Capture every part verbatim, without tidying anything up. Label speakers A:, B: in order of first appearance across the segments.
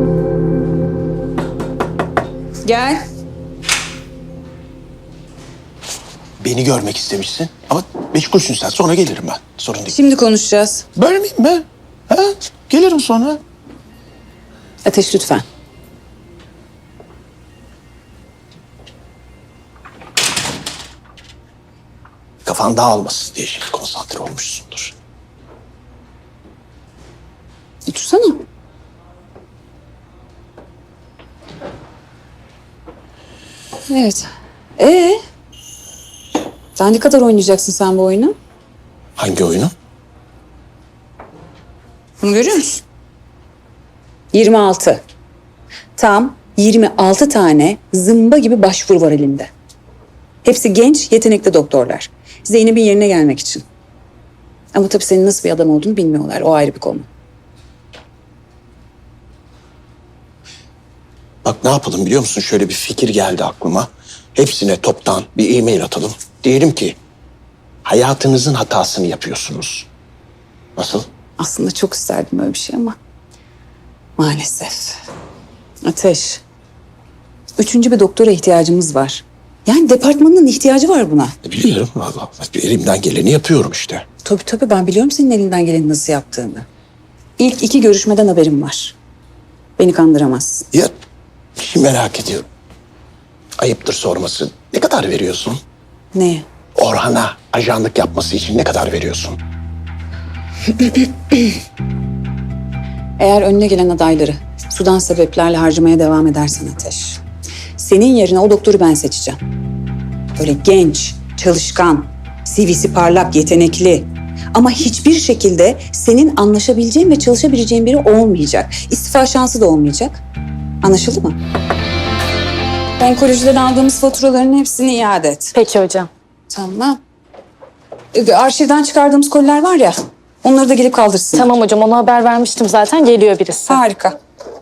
A: Gel.
B: Beni görmek istemişsin ama meşgulsün sen. Sonra gelirim ben. Sorun değil.
A: Şimdi konuşacağız.
B: Böyle miyim ben? Ha? Gelirim sonra.
A: Ateş lütfen.
B: Kafan dağılmasın diye şimdi konsantre olmuşsundur.
A: Otursana. Evet. Ee? Daha ne kadar oynayacaksın sen bu oyunu?
B: Hangi oyunu?
A: Bunu görüyor musun? yirmi altı. Tam yirmi altı tane zımba gibi başvuru var elimde. Hepsi genç, yetenekli doktorlar. Zeynep'in yerine gelmek için. Ama tabii senin nasıl bir adam olduğunu bilmiyorlar. O ayrı bir konu.
B: Bak ne yapalım biliyor musun? Şöyle bir fikir geldi aklıma. Hepsine toptan bir e-mail atalım. Diyelim ki hayatınızın hatasını yapıyorsunuz. Nasıl?
A: Aslında çok isterdim öyle bir şey ama maalesef. Ateş. Üçüncü bir doktora ihtiyacımız var. Yani departmanın ihtiyacı var buna.
B: E, biliyorum vallahi. Elimden geleni yapıyorum işte.
A: Tabii tabii ben biliyorum senin elinden geleni nasıl yaptığını. İlk iki görüşmeden haberim var. Beni kandıramazsın.
B: Ya bir şey merak ediyorum. Ayıptır sorması. Ne kadar veriyorsun?
A: Neye?
B: Orhan'a ajanlık yapması için ne kadar veriyorsun?
A: Eğer önüne gelen adayları sudan sebeplerle harcamaya devam edersen Ateş, senin yerine o doktoru ben seçeceğim. Böyle genç, çalışkan, C V'si parlak, yetenekli. Ama hiçbir şekilde senin anlaşabileceğin ve çalışabileceğin biri olmayacak. İstifa şansı da olmayacak. Anlaşıldı mı? Onkolojiden aldığımız faturaların hepsini iade et.
C: Peki hocam.
A: Tamam. Ee, Arşivden çıkardığımız koliler var ya, onları da gelip kaldırsın.
C: Tamam hocam, ona haber vermiştim zaten, geliyor birisi.
A: Harika.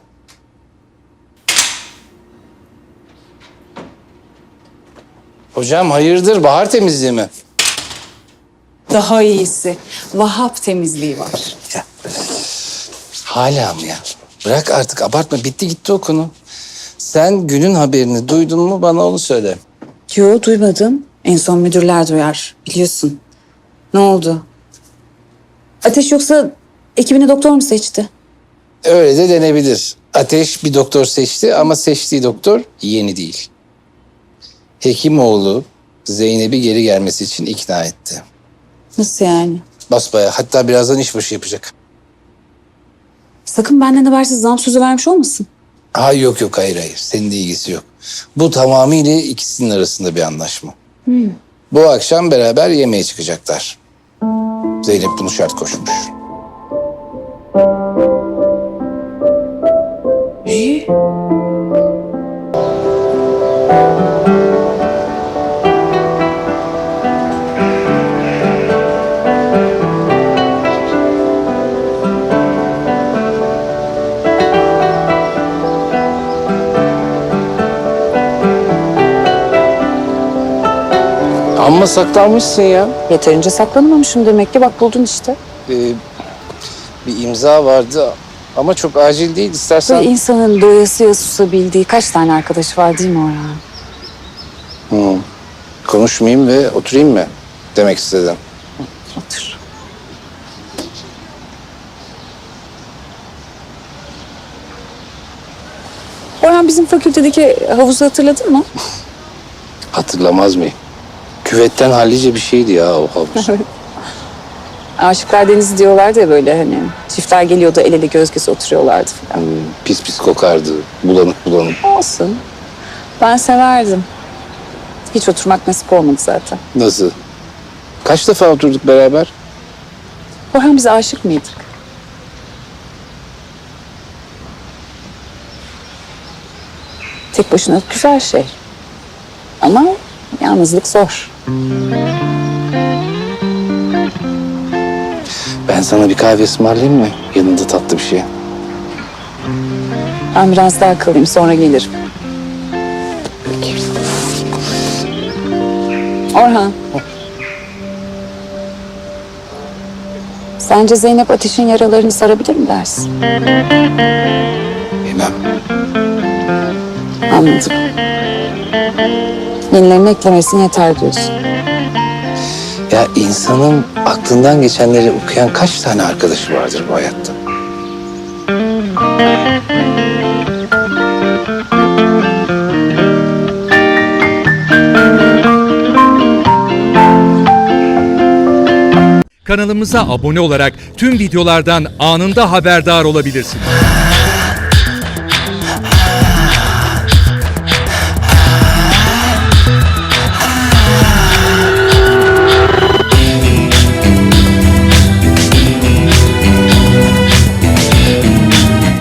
D: Hocam hayırdır, bahar temizliği mi?
A: Daha iyisi. Vahap temizliği var.
D: Hala mı ya? Bırak artık, abartma, bitti gitti o konu. Sen günün haberini duydun mu, bana onu söyle.
A: Yo, duymadım. En son müdürler duyar. Biliyorsun. Ne oldu? Ateş yoksa ekibine doktor mu seçti?
D: Öyle de denebilir. Ateş bir doktor seçti ama seçtiği doktor yeni değil. Hekimoğlu Zeynep'i geri gelmesi için ikna etti.
A: Nasıl yani?
D: Basbayağı, hatta birazdan işbaşı yapacak.
A: Sakın benden habersiz zam sözü vermiş olmasın.
D: Ha yok yok, hayır hayır, senin de ilgisi yok. Bu tamamıyla ikisinin arasında bir anlaşma.
A: Hmm.
D: Bu akşam beraber yemeğe çıkacaklar. Zeynep bunu şart koşmuş.
A: İyi.
D: Amma saklanmışsın ya.
A: Yeterince saklanamamışım demek ki. Bak buldun işte.
D: Ee, bir imza vardı ama çok acil değil, istersen...
A: Böyle insanın doyasıya susabildiği kaç tane arkadaşı var değil mi Orhan?
D: Hı. Konuşmayayım ve oturayım mı demek istedim.
A: Otur. Orhan, bizim fakültedeki havuzu hatırladın mı?
D: Hatırlamaz mıyım? Küvetten hallice bir şeydi ya o havuz.
A: Aşıklar Denizi diyorlardı ya, böyle hani çiftler geliyordu, el ele göz göze oturuyorlardı falan.
D: Hmm, pis pis kokardı, bulanık bulanık.
A: Olsun. Ben severdim. Hiç oturmak nasip olmadı zaten.
D: Nasıl? Kaç defa oturduk beraber?
A: Orhan, biz aşık mıydık? Tek başına güzel şey. Ama yalnızlık zor.
D: Ben sana bir kahve ısmarlayayım mı? Yanında tatlı bir şey.
A: Ben biraz daha kalayım, sonra gelirim.
D: Peki.
A: Orhan. Sence Zeynep Ateş'in yaralarını sarabilir mi dersin?
D: Bilmem.
A: Anladım. Yenilerini eklemesine yeter diyorsun.
D: Ya insanın aklından geçenleri okuyan kaç tane arkadaşı vardır bu hayatta?
E: Kanalımıza abone olarak tüm videolardan anında haberdar olabilirsiniz.